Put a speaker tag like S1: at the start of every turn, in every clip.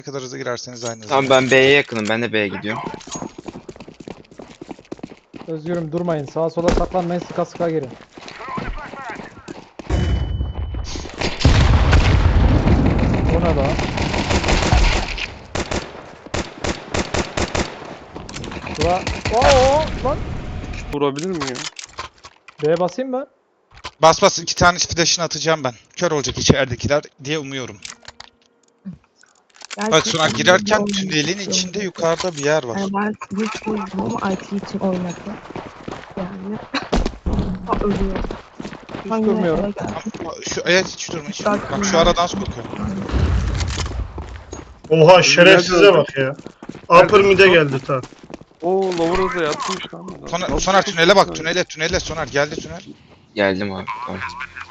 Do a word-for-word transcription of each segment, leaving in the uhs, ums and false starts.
S1: Ne kadar hızlı girerseniz aynı hızlı.
S2: Tamam ben B'ye yakınım. Ben de B'ye gidiyorum.
S3: Özgürüm durmayın. Sağa sola saklanmayın. Sıka sıka girin. O ne lan? Şura... Oo lan.
S4: Vurabilir mi ya?
S3: B'ye basayım ben.
S1: Bas bas iki tane flash'ını atacağım ben. Kör olacak içeridekiler diye umuyorum. Bak sonra girerken tünelin içinde yukarıda bir yer var.
S5: Yani ben hiç bozdum ama I T için oynadım. Yani ha, ölüyor.
S3: Hiç
S5: Ben yine
S3: durmuyorum.
S5: eve geldim.
S1: Ama Şu evet hiç durma hiç
S5: Bak
S1: durma. Bak
S5: yine.
S1: şu aradan sokuyorum.
S6: Oha şerefsize bak ya. Upper mid'e geldi ta.
S4: Oo Lower'a da yatmış lan.
S1: Soner,
S4: Nasıl
S1: Soner
S4: çok
S1: tünele bak
S4: güzel.
S1: tünele tünele Soner geldi tünel.
S2: Geldim abi. Tamam.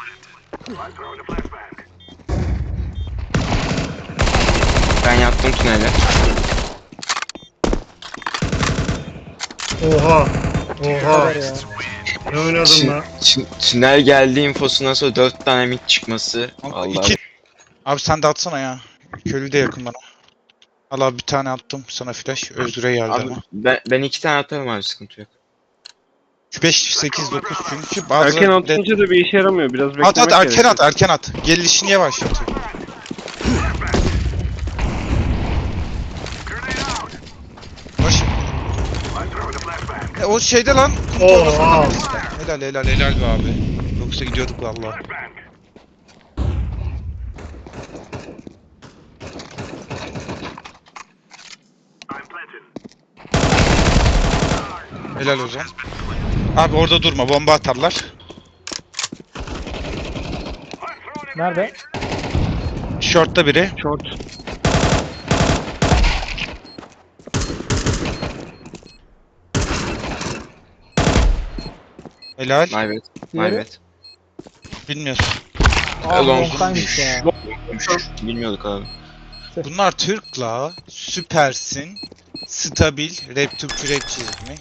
S2: Ben yattım tünele.
S6: Oha.
S3: Ne
S6: Oha.
S3: kadar ya?
S6: Ne oynadım
S2: Tün-
S6: lan?
S2: tün- tünel geldi infosundan sonra dört tane mid çıkması.
S1: Ama
S2: Allah.
S1: iki. Abi sen de atsana ya. Köylü de yakın bana. Al abi bir tane attım sana flash. Özgür'e geldi
S2: Abi,
S1: ama.
S2: ben, ben iki tane atarım abi sıkıntı yok.
S1: beş, sekiz, dokuz çünkü bazı...
S4: Erken atınca da bir işe yaramıyor. Biraz beklemek
S1: At at erken
S4: gerekiyor.
S1: at erken at. Gelişini yavaşlatıyor. Boş. E, o şeyde lan. kum torbasında
S6: Oha.
S1: birisi. Helal helal helal be abi. Yoksa gidiyorduk valla. Helal Ozan. Abi orada durma bomba atarlar.
S3: Nerede?
S1: Short'ta biri.
S4: Short.
S1: Helal.
S2: My bad. My
S3: Diğeri?
S2: bad.
S1: Bilmiyorsun.
S3: Aa
S2: Elon.
S3: longtaymış ya.
S2: Bilmiyorduk abi.
S1: Bunlar Türk'la süpersin. Stabil. Rap Türkçü rap çizimi.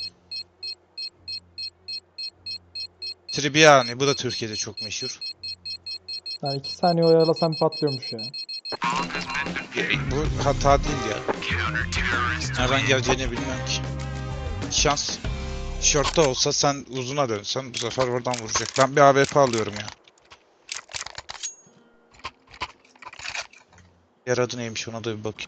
S1: Tribiyani. Bu da Türkiye'de çok meşhur.
S3: Yani iki saniye oyalasam patlıyormuş ya.
S1: Bu hata değil ya. Nereden geleceğini bilmiyorum ki. Şans. Short'ta olsa sen uzuna dönsen bu sefer oradan vuracak. Ben bir A W P alıyorum ya. Yer adı neymiş ona da bir bakayım.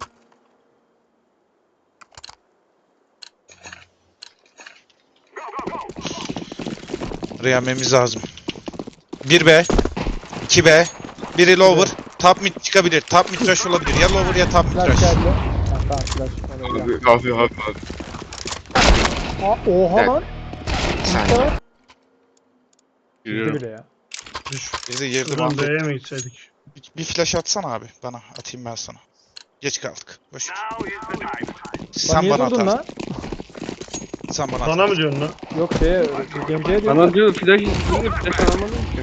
S1: Yememiz lazım. bir B, iki B, biri lower, top mid çıkabilir. Top mid rush olabilir. Ya lower ya top mid
S3: Flash
S1: rush.
S3: geldi. Ha, tamam flash. Oraya geldi.
S2: Abi abi abi abi.
S3: Aa, oha
S2: Evet.
S3: lan.
S2: Sen
S3: Bu kadar. Girdi
S4: Yürüyorum.
S3: bile ya.
S1: Girdi girdi.
S6: Şuradan
S1: mahvet.
S6: B'ye mi gitseydik?
S1: Bir, bir flash atsana abi bana. Atayım ben sana. Geç kaldık. Boş ver.
S3: Lan
S1: Sen
S3: niye
S1: bana
S3: durdun
S1: atarsın.
S3: lan?
S1: Sen bana
S6: Bana
S1: atarsın.
S6: mı diyorsun lan?
S3: Yok şeye, Gemce'ye diyor.
S4: Bana diyor flash istiyor. Flash alamadım ki.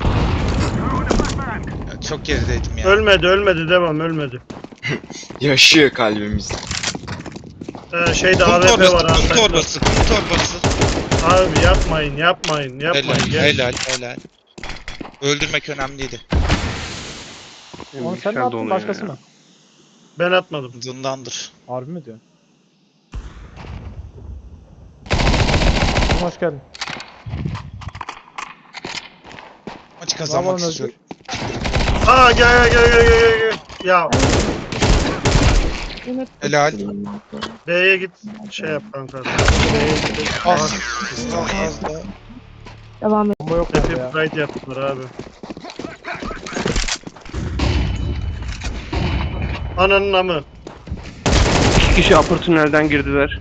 S1: Ya çok gerideydim ya.
S6: Ölmedi ölmedi devam ölmedi.
S2: yaşıyor kalbimiz.
S6: Ee, şeyde
S1: Kum
S6: A W P
S1: torbası,
S6: var
S1: kum
S6: Antakya.
S1: torbası, kum torbası.
S6: Abi yapmayın yapmayın
S1: Helal,
S6: yapmayın. Gel.
S1: helal, helal. Öldürmek önemliydi.
S4: Benim
S3: Onu sen mi
S4: bilgisayar
S3: attın
S4: donuyor
S3: başkası
S4: ya.
S3: mı?
S6: Ben atmadım.
S1: Zindandır.
S3: Harbi mi diyorsun? Hoş geldin.
S1: Maçı
S3: Ne
S1: kazanmak
S3: yapalım
S1: istiyorum.
S6: Aa gel gel gel gel gel gel. Ya
S5: Yine
S1: Helal.
S5: tutturayım ben.
S6: B'ye git şey yap kanka. B'ye git.
S1: Az, az da.
S5: Devam et.
S3: Bomba yok
S6: Happy
S3: bende ya.
S6: Pride yaptılar abi. Ananın amı.
S4: İki kişi upper tünelden girdiler.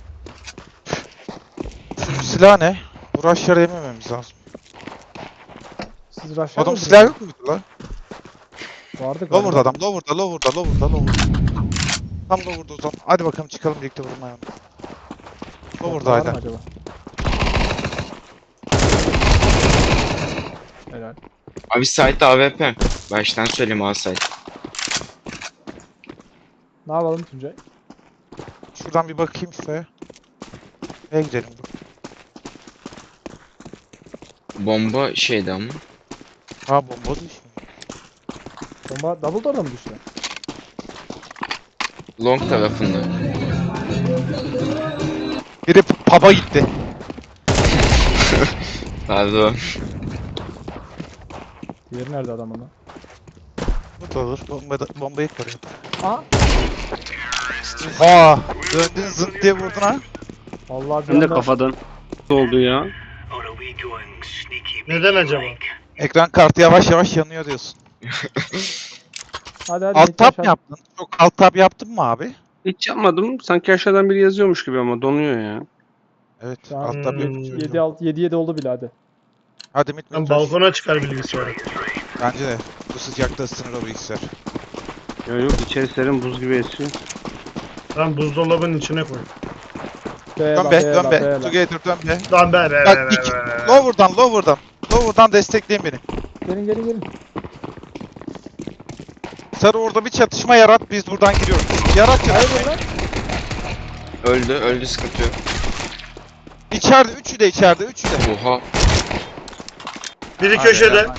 S1: Şu silah ne? Bu rush'ları yemememiz lazım.
S3: Siz rush'a
S1: Adam
S3: mı
S1: silah
S3: girdiniz?
S1: yok muydu lan?
S3: Vardı galiba.
S1: Lower'da adam, lower'da, lower'da, lower'da, lower'da. Tam lower'da o zaman. Hadi bakalım çıkalım birlikte vurmaya. Lower'da
S3: Var mı
S1: hala.
S3: acaba? Helal.
S2: Abi site'de A W P. Baştan söyleyeyim A site.
S3: Ne yapalım Tuncay?
S1: Şuradan bir bakayım size. Neye gidelim?
S2: Bomba şeydi ama.
S1: Ha bomba düştü.
S3: Bomba double door'da mı düştü?
S2: Long tarafında.
S1: Biri p- pub'a gitti.
S2: Pardon.
S3: Diğeri nerede adamın lan?
S1: Bu da olur. Bomba da, bombayı koruyor.
S3: Aa!
S1: Aa, döndün zınt diye vurdun ha.
S3: Vallahi bir
S4: Hem de
S3: anda
S4: kafadan oldu ya.
S6: Neden acaba?
S1: Ekran kartı yavaş yavaş yanıyor diyorsun.
S3: hadi hadi
S1: Alt
S3: Mete
S1: tab
S3: aşağı-
S1: mı yaptın? Çok alt tab yaptın mı abi?
S4: Hiç yapmadım. Sanki aşağıdan biri yazıyormuş gibi ama donuyor ya.
S1: Evet,
S3: Şu an
S1: alt tab
S6: Hmm.
S1: yapıyor.
S3: yedi altı yedi yedi oldu bile hadi.
S1: Hadi mit
S6: Ben
S1: mit.
S6: balkona çıkar bilgisayarı.
S1: Bence de. Bu sıcakta ısınır o bilgisayar.
S4: Ya yok içeri serin buz gibi esiyor.
S6: Lan buzdolabının içine koy.
S3: Be
S1: Dön
S3: la,
S1: be,
S3: be
S1: dön
S3: la,
S1: be.
S3: be la.
S1: Together dön be.
S6: Lan be be be
S1: Bak
S6: be
S1: iki.
S6: be be.
S1: Lower'dan, lower'dan. Lower'dan destekleyin beni.
S3: Gelin gelin gelin.
S1: Sarı orada bir çatışma yarat, biz buradan giriyoruz. Yarat yarat.
S3: Hayır lan.
S2: Öldü, öldü sıkıntı yok.
S1: İçeride, üçü de içeride, üçü de.
S2: Oha.
S6: Biri
S1: Hadi
S6: köşede.
S1: helal.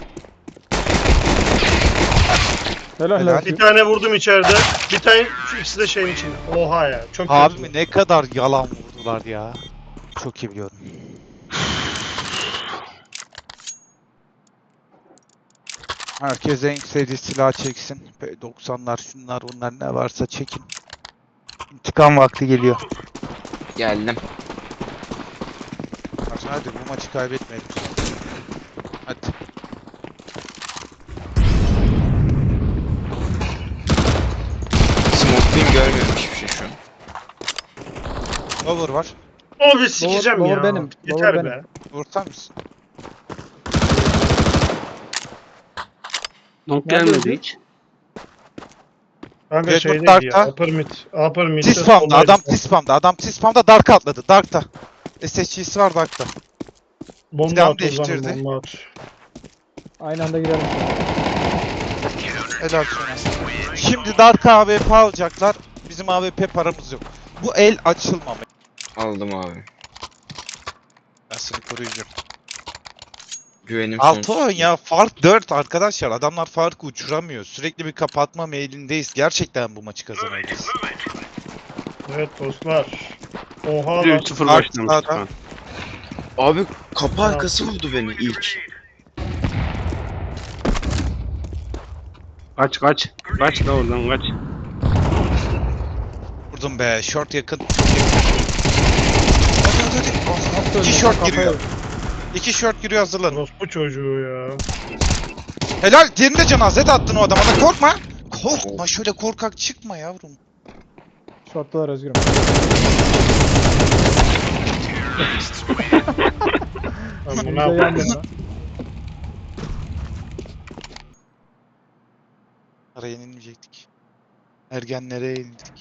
S3: Helal
S1: Helal.
S3: helal.
S6: Bir tane vurdum içeride. Bir tane şu ikisi de şeyin içinde. Oha ya. Çok
S1: Abi
S6: kötü.
S1: mi ne kadar yalan vurdular ya. Çok iyi biliyorum. Herkes en sevdiği silah çeksin. P doksanlar, şunlar bunlar ne varsa çekin. İntikam vakti geliyor.
S2: Geldim.
S1: Hadi, hadi bu maçı kaybetmeyelim. Hadi.
S2: Smoke'layım görmüyorum hiçbir şey şu an.
S1: Over var.
S6: O bir sikeceğim
S3: Lower
S6: ya.
S3: benim,
S6: Yeter
S3: lower
S6: be.
S3: benim.
S1: Vurtar mısın?
S4: Long
S3: Nerede
S4: gelmedi
S3: öldü?
S4: hiç.
S6: Kanka
S1: Red
S6: şeydeydi
S1: Dot
S6: ya.
S1: Dark'ta.
S6: Upper mid. Upper mid'de
S1: T-Spam'da,
S6: soldaydı.
S1: adam T-Spam'da, adam T-Spam'da Dark'a atladı, Dark'ta. S S G'si var Dark'ta.
S6: Bomba
S1: Silahını
S6: at o zaman,
S1: değiştirdi.
S6: bomba at.
S3: Aynı anda girelim.
S1: Helal sana. Şimdi Dark'a A W P alacaklar. Bizim A W P paramız yok. Bu el açılmamalı.
S2: Aldım abi.
S1: Ben seni koruyacağım.
S2: Güvenim
S1: altı
S2: sonsuz.
S1: on ya, fark dört arkadaşlar. Adamlar farkı uçuramıyor. Sürekli bir kapatma mailindeyiz. Gerçekten bu maçı kazanabiliriz.
S6: Evet dostlar. Oha lan.
S4: üç sıfır
S1: Dark
S4: başlamıştık
S1: sağda.
S4: şu an.
S2: Abi kapı arkası vurdu beni ilk.
S4: Kaç kaç. Kaç da oradan kaç.
S1: Vurdum be. Short yakın. Hadi hadi hadi.
S3: Nasıl
S1: İki
S3: öldü?
S1: short
S3: Kafaya-
S1: giriyor. İki short giriyor, hazırlanın.
S6: Orospu çocuğu ya.
S1: Helal. Diğerinde cenazet attın o adama da, korkma. Korkma, şöyle korkak çıkma yavrum.
S3: Short'talar Özgür'üm.
S6: Lan bu ne
S3: Bize
S6: yapıyor?
S3: yan yana.
S1: Araya yenilmeyecektik. Ergenlere yenildik.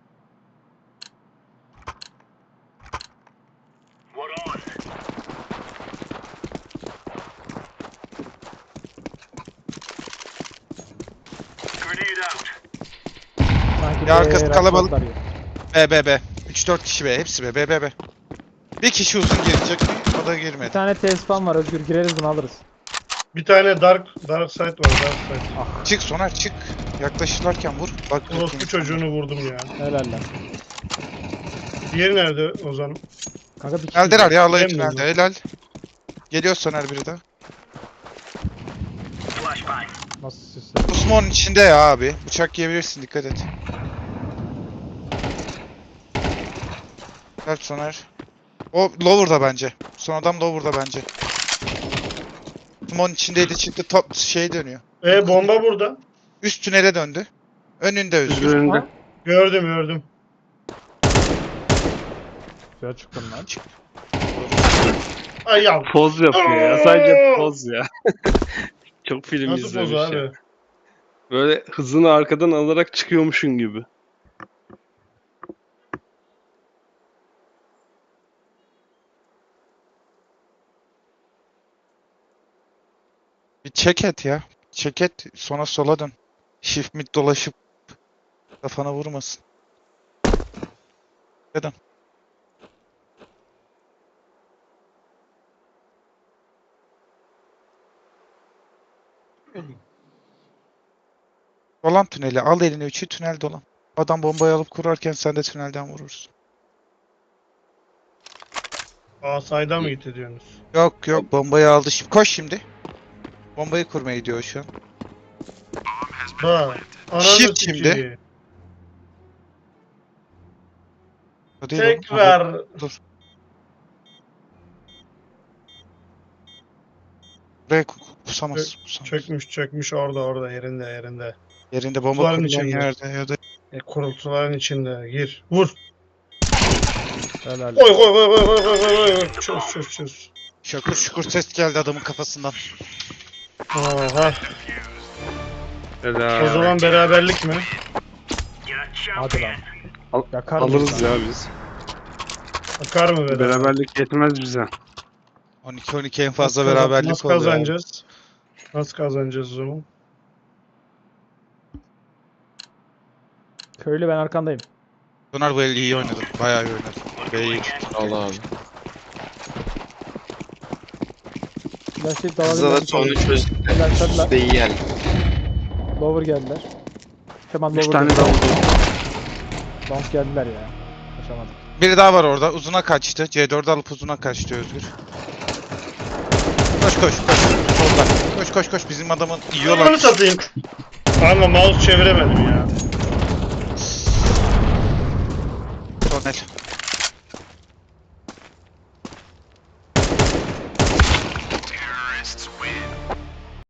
S3: Sanki
S1: Ya arkası
S3: be,
S1: kalabalık.
S3: shortlar ya.
S1: B B B. üç dört kişi be. Hepsi be. B B B. Bir kişi uzun girecek. O da
S3: Bir
S1: girmedi.
S3: tane T-spam var Özgür. Gireriz bunu alırız.
S6: Bir tane dark dark side var, dark side.
S1: Çık Soner çık. Yaklaşırlarken vur. Bak.
S6: Orospu çocuğunu vurdum ya.
S3: Helal lan.
S6: Diğeri nerede Ozan?
S3: Kanka bir kişi.
S1: Tüneldeler ya, alayı
S6: Bilmiyorum.
S1: tünelde. Helal. Geliyor Soner biri de.
S3: Nasıl süsle?
S1: Osman'ın içinde ya abi. Bıçak yiyebilirsin, dikkat et. Helal Soner. O lower'da bence. Son adam lower'da bence. Osman'ın içindeydi, çıktı, top şey dönüyor.
S6: E bomba burada.
S1: Üst tünele döndü. Önünde Özgür.
S4: Üzerinde.
S3: Ha?
S6: Gördüm gördüm.
S3: Güzel çıktın lan.
S6: Ay ya.
S4: Poz yapıyor ya. Sadece poz ya. Çok film
S6: Nasıl poz
S4: izlemiş ya.
S6: abi?
S4: Böyle hızını arkadan alarak çıkıyormuşsun gibi.
S1: Bir check et ya. Check et, sonra sola dön. Shift mid dolaşıp kafana vurmasın. Neden? Dolan tüneli. Al eline üçü, tünel dolan. Adam bombayı alıp kurarken sen de tünelden vurursun.
S6: Aa sayda mı gitti diyorsunuz?
S1: Yok yok bombayı aldı. Şimdi koş şimdi. Bombayı kurmaya gidiyor şu an.
S6: Ha. Ananı
S1: Shift
S6: sikeyim.
S1: şimdi. O değil oğlum.
S6: Tekrar.
S1: Dur. Buraya ku- ku- kusamaz. kusamaz.
S6: Çökmüş çökmüş orada orada yerinde yerinde.
S1: Yerinde bomba
S6: Kutuların
S1: kurulan
S6: içinde.
S1: yerde ya da
S6: E, kurultuların içinde. Gir. Vur.
S3: Helal.
S6: Oy oy oy oy oy oy oy oy. Çöz çöz çöz.
S1: şakur şukur ses geldi adamın kafasından.
S6: Oha.
S4: Helal.
S6: O zaman beraberlik mi?
S3: Hadi lan.
S4: Al-
S3: Yakar
S4: Alırız
S3: mıyız
S4: ya
S3: lan?
S4: biz.
S6: Bakar mı beraber?
S4: Beraberlik yetmez bize.
S1: on iki on iki en fazla
S6: Nasıl kazan-
S1: beraberlik
S6: Nasıl
S1: oluyor.
S6: kazanacağız? Nasıl kazanacağız o zaman?
S3: Köylü ben arkandayım.
S1: Soner bu el iyi oynadı. Bayağı iyi oynadı. B'yi
S2: Allah abi.
S3: Flash'ı
S2: Hızla da
S3: dalabilir
S2: sonu çözdük de.
S3: Helal, helal.
S2: Üstte iyi geldi.
S3: Lower geldiler. Hemen
S4: Üç
S3: lower
S4: tane
S3: geldiler.
S4: daha oldu.
S3: Long geldiler ya. Kaçamadık.
S1: Biri daha var orada. Uzuna kaçtı. C dördü alıp uzuna kaçtı Özgür. Koş koş koş. Solda. Koş koş koş. Bizim adamın
S6: Yolunu
S1: yiyorlar.
S6: satayım. Kanka mouse çeviremedim ya.
S1: Tonel.